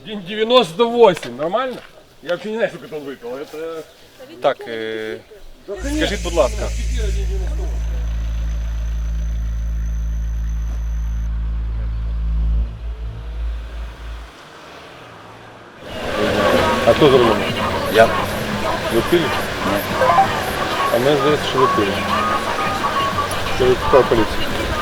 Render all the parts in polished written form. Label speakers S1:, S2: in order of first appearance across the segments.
S1: 1,98, нормально? Я вообще не знаю, сколько он выпил. Это...
S2: Так, скажіть, будь ласка.
S1: А кто за рулем?
S2: Я.
S1: Вы пили?
S2: Нет.
S1: А мне здається, що ви пили. Це викликав поліцію.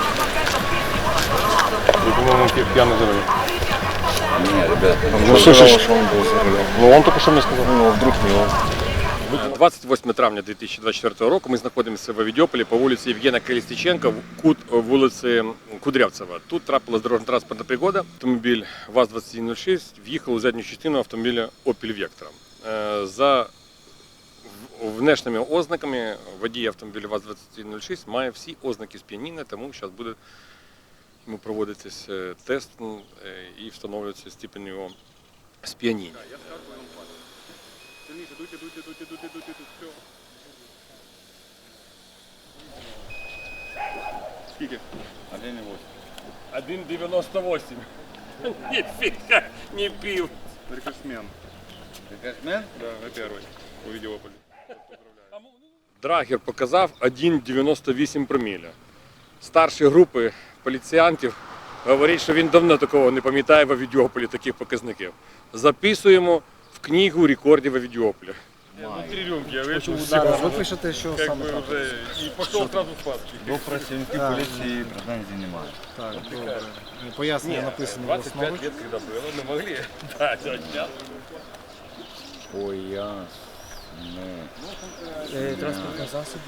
S1: Ви, по-моєму, п'яний за рулем.
S2: Не, ребят,
S1: Ну,
S2: он
S1: слушай,
S2: сказал, что он был за рулем.
S1: Ну, он тільки що мені сказав.
S2: Ну, вдруг не он.
S1: 28 травня 2024 року ми знаходимося в Авідіополі по вулиці Євгена Колесніченка, кут вулиці Кудрявцева. Тут трапилась дорожньо-транспортна пригода. Автомобіль ВАЗ-2106 в'їхав у задню частину автомобіля Opel Vectra. За внешніми ознаками водій автомобіля ВАЗ-2106 має всі ознаки сп'яніння, тому зараз буде йому проводитися тест і встановлюється степень його сп'яніння. Дуйте, все. Скільки? 1,98. Нифига не пил. Рекордсмен.
S2: Рекордсмен?
S1: Да, на первый. У Авідіополі. Драгер показав 1,98 проміля. Старші групи поліціянтів говорять, що він давно такого не пам'ятає в Авідіополі, таких показників. Записуємо в книгу рекордів Авідіополя. Внутри рюмки, я вийшов
S3: Зараз ви пишете, що саме
S1: бы
S3: так.
S1: уже и пошел сразу спать.
S2: До працівники поліції претензій немає.
S3: Так, добре. Пояснення написано в
S1: 25
S3: основі.
S1: лет, когда было, мы могли. Да, сейчас.
S2: Ой, ясно.
S3: Транспортний засіб.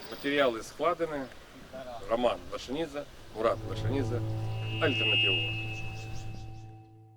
S1: Материалы складены. Роман Лошанидзе, Мурат Лошанидзе. Альтернатива.